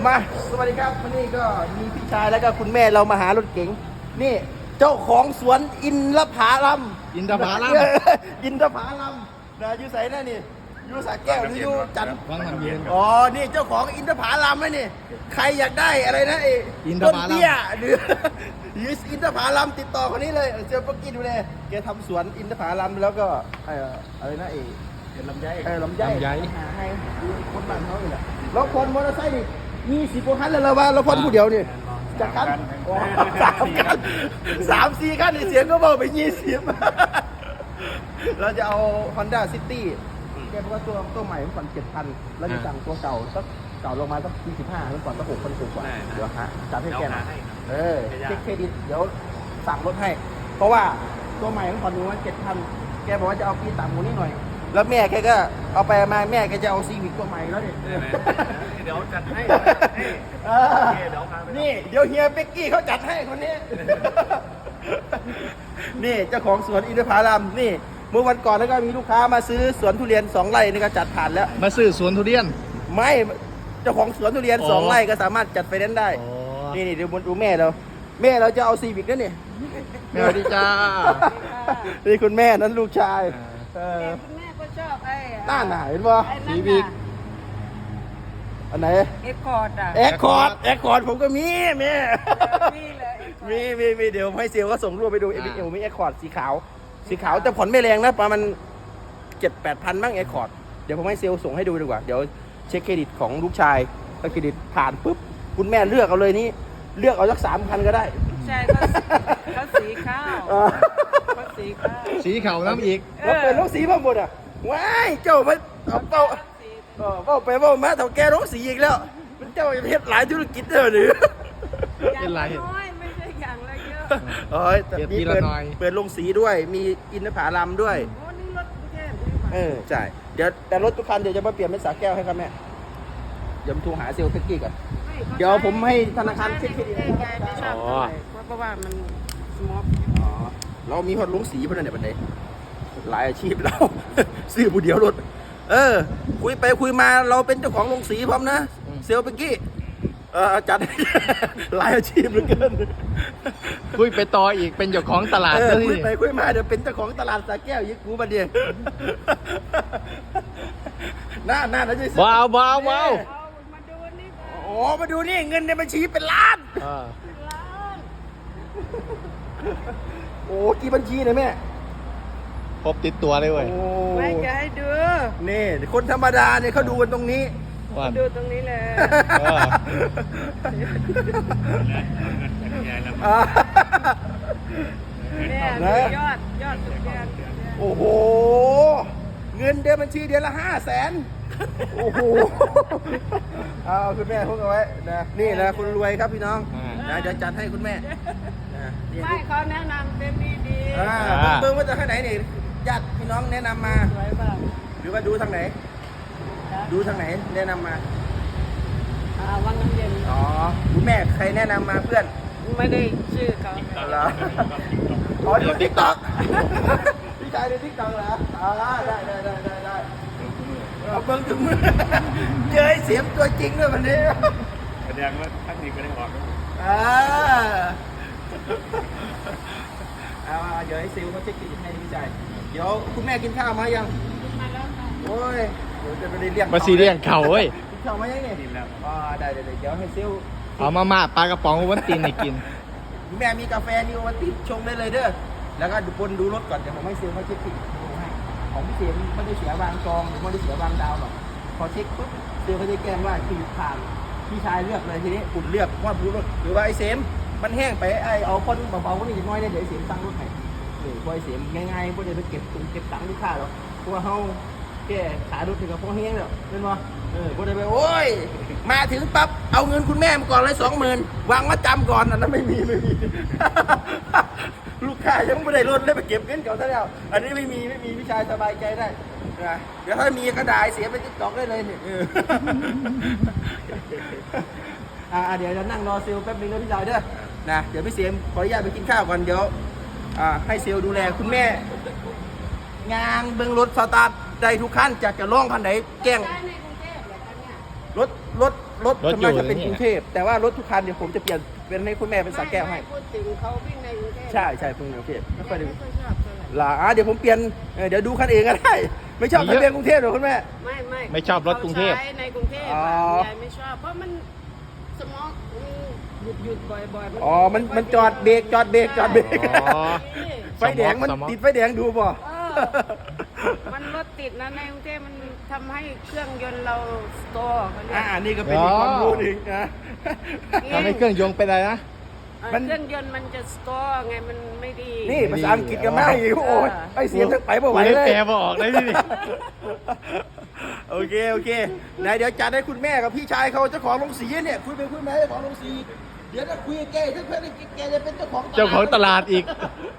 มาสวัสดีครับวันนี้ก็มีพี่ชายแล้วก็คุณแม่เรามาหารถเก๋งนี่เจ้าของสวนอินทผลัมอินทผลัมนะอยู่ใส่นั่นนี่อยู่สระแก้วหรืออยู่จันทร์วังน้ำเย็นอ๋อนี่เจ้าของอินทผลัมนะนี่ใครอยากได้อะไรนะต้นเบี้ยหรืออินทผลัมติดต่อคนนี้เลยเจอปักกี้ดูเลยแกทำสวนอินทผลัมแล้วก็อะไรนะลำไยหาให้คนบ้านเขาเลยแล้วคนมอเตอร์ไซค์นี่20 กว่าคันเลยเราว่าเราพ่นผู้เดียวนี่จากคัน3-4 คันเสียงก็บอกไป20เราจะเอา Honda City แกบอกว่าตัวใหม่มันก่อน 7,000 แล้วจะสั่งตัวเก่าสักเก่าลงมาสัก25มันก่อนสัก6,000 กว่าเดี๋ยวจัดให้แกหน่อยเช็คเครดิตเดี๋ยวสั่งรถให้เพราะว่าตัวใหม่มันก่อนมัน 7,000 แกบอกว่าจะเอาปีต่ำกว่านี้หน่อยแล้วแม่แกก็เอาไปมาแม่แกจะเอาซีวิกตัวใหม่แล้วเนี่ยเดี๋ยวจัดให้นี่เดี๋ยวเฮียเป็กกี้เขาจัดให้คนนี้นี่เจ้าของสวนอินทผลัมนี่เมื่อวันก่อนแล้วก็มีลูกค้ามาซื้อสวนทุเรียน2 ไร่นี่ก็จัดผ่านแล้วมาซื้อสวนทุเรียนไม่เจ้าของสวนทุเรียน2 ไร่ก็สามารถจัดไฟแนนซ์ได้นี่เดี๋ยวดูแม่เราจะเอาซีวิกนั่นนี่สวัสดีจ้านี่คุณแม่นั้นลูกชายคุณแม่ก็ชอบไอ้หน้าหนาเห็นป่ะซีวิกอันไหนเอ็กคอร์ดเอ็กคอร์ดผมก็มีแม่มีเดี๋ยวให้เซลก็ส่งรูปไปดูมีเอ็กคอร์ดสีขาวแต่ผ่อนไม่แรงนะประมาณ 7-8 พันบ้างเอ็กคอร์ดเดี๋ยวผมให้เซลส่งให้ดูดีกว่าเดี๋ยวเช็คเครดิตของลูกชายถ้าเครดิตผ่านปุ๊บคุณแม่เลือกเอาเลยนี่เลือกเอาสัก3 พันก็ได้ใช่เขาสีข้าวเขาสีขาวน้ำอีกแล้วเป็นลูกสีพ่อหมดอ่ะว้ายเจ้ามันเอาเป้าไปเป้ามาเท่าแกลูกสีอีกแล้วมันเจ้าจะเฮ็ดหลายธุรกิจเด้อหรือเป็นไรน้อยไม่ใช่อย่างละเยอะแต่มีเปิดลงสีด้วยมีอินทผลัมด้วยโอ้นี่รถกรุงเทพใช่เดี๋ยวแต่รถทุกคันเดี๋ยวจะมาเปลี่ยนเป็นสาแก้วให้ครับแม่เดี๋ยวโทรหาเซลล์เทคนิคก่อนเดี๋ยวผมให้ธนาคารเช็คเครดิตเพราะว่ามันสมอบเรามีคนลงสีเพื่อนเนี่ยบันไดหลายอาชีพเราซื้อผู้เดียวรถคุยไปคุยมาเราเป็นเจ้าของโรงสีพร้อมนะเซลล์เป็กกี้จัดหลายอาชีพเหลือเกินคุยไปต่ออีกเป็นเจ้าของตลาดคุยไปคุยมาเดี๋ยวเป็นเจ้าของตลาดสาแก้วยิกกูบันเดียน่าจะว้าวมาดูนี่มาดูนี่เงินในบัญชีเป็นล้านโอ้กี่บัญชีเนี่ยแม่ครบติดตัวเลยเว้ยไม่จะให้ดูนี่คนธรรมดาเนี่ยเขาดูกันตรงนี้ดูตรงนี้เลยเนี่ยยอดสุดแก่โอ้โหเงินเดือนบัญชีเดือนละ500,000โอ้โหเอาคุณแม่พูดเอาไว้นะนี่นะคุณรวยครับพี่น้องนะเดี๋ยวจัดให้คุณแม่ไม่เขาแนะนำเป็นดีเบิ่งว่าจะข้างไหนนี่ญาติพี่น้องแนะนำมาหรือว่าดูทางไหนแนะนำมาวังน้ำเย็นคุณแม่ใครแนะนำมาเพื่อนไม่ได้ชื่อเขาเหรอดูติ๊กต็อกพี่ชายดูติ๊กต็อกเหรอได้เอาเบิ้งถึงมือเจอเสียงตัวจริงด้วยวันนี้แสดงว่าท่านนี้ก็ได้ออกเดี๋ยวให้ซิลเขาเช็คกินให้พี่ชายเดี๋ยวคุณแม่กินข้าวมายังโอ้ยเดี๋ยวจะไปเลี้ยงมาซีเรียงเข่าเว้ยกินข้าวมายังเนี่ยกินแล้วได้เดี๋ยวให้ซิลเอามาปลากระป๋องวันตีนให้กินแม่มีกาแฟนี่วันตีนชงได้เลยเด้อแล้วก็ดูรถก่อนเดี๋ยวผมให้ซิลเขาเช็คกินให้ของพี่เสียไม่ได้เสียวางกองหรือไม่ได้เสียวางดาวหรอกพอเช็คปุ๊บซิลเขาจะแจ้งว่าคิวผ่านพี่ชายเลือกเลยทีนี้คุณเลือกว่าผู้รถหรือว่าไอ้เซมมันแห้งไปเอาคนเบาๆก็นี่น้อยได้เดี๋ยวเสียมตั้งรถให้พอเสียมง่ายๆพวกเดี๋ยวไปเก็บตังค์ลูกค้าหรอกเพราะว่าเขาแก่ขายรถถึงกับพอแห้งแล้วเป็นวะพวกเดี๋ยวไปโอ้ยมาถึงปั๊บเอาเงินคุณแม่มาก่อนเลย20,000วางมาจำก่อนอันนั้นไม่มีลูกค้ายังไม่ได้รถเลยไปเก็บเงินเก่าซะแล้วอันนี้ไม่มีพี่ชายสบายใจได้เดี๋ยวถ้ามีกระดาษเสียไปติ๊กต็อกได้เลยเนี่ยเดี๋ยวจะนั่งรอเซลแป๊บนึงนะพี่ชายเด้อนะเดี๋ยวพี่เสียมขออนุญาตไปกินข้าวก่อนเดี๋ยวให้เซลดูแลคุณแม่งานเบื้องรถสตาร์ทได้ทุกขั้นจากจะล่องพันไหนแจ้งรถรถส่วนมากจะเป็นกรุงเทพแต่ว่ารถทุกคันเดี๋ยวผมจะเปลี่ยนเป็นให้คุณแม่เป็นสระแก้วให้พูดถึงเขาวิ่งในกรุงเทพใช่ใช่เพิ่งกรุงเทพไม่ค่อยได้ไม่ค่อยชอบเท่าไหร่ล่ะเดี๋ยวผมเปลี่ยนเดี๋ยวดูคันเองก็ได้ ไม่ชอบทะเบียนกรุงเทพหรอกคุณแม่ไม่ชอบรถกรุงเทพขาใช้ในกรุงเทพอ๋อยายไม่ชอบเพราะมันสมองมันหยุดบ่อยๆอ๋อมันจอดเบรกจอดเบรกจอดเบรกอ๋อไฟแดงมันสมองติดไฟแดงดูป่ะมันรถติดนะในกรุงเทพมันทำให้เครื่องยนต์เราสโตร์เขาเรียกนี่ก็เป็นอีกความรู้หนึ่งนะทำให้เครื่องยนต์เป็นอะไรนะมันเครื่องยนต์มันจะสโตร์ไงมันไม่ดีนี่ภาษาอังกฤษกันมากอีกโอ้ยไปเสียงทั้งไปบ่ไหวเลยแปลบ่ออกเลยนี่โอเคไหนเดี๋ยวจัดให้คุณแม่กับพี่ชายเขาเจ้าของโรงสีเนี่ยคุยไปคุยมาเจ้าของโรงสีเดี๋ยวถ้าคุยกับแกถ้าเพื่อนแกจะเป็นเจ้าของเจ้าของตลาดอีก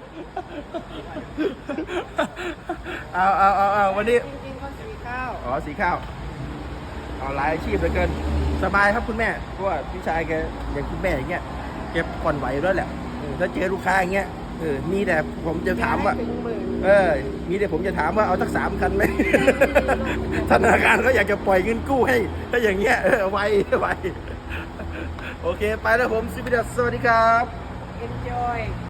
เอาวันนี้จริงๆก็สีข้าวอ๋อสีข้าวเอาหลายอาชีพเหลือเกินสบายครับคุณแม่เพราะว่าพี่ชายแกอย่างคุณแม่อย่างเงี้ยแกผ่อนไหวด้วยแหละถ้าเจอลูกค้าอย่างเงี้ยมีแต่ผมจะถามว่าถึงหมื่นมีแต่ผมจะถามว่าเอาสัก3 คันไหม ธนาคารเขาอยากจะปล่อยเงินกู้ให้ ถ้าอย่างเงี้ยไวโอเค ไปแล้วผมซิบิดัสสวัสดีครับ enjoy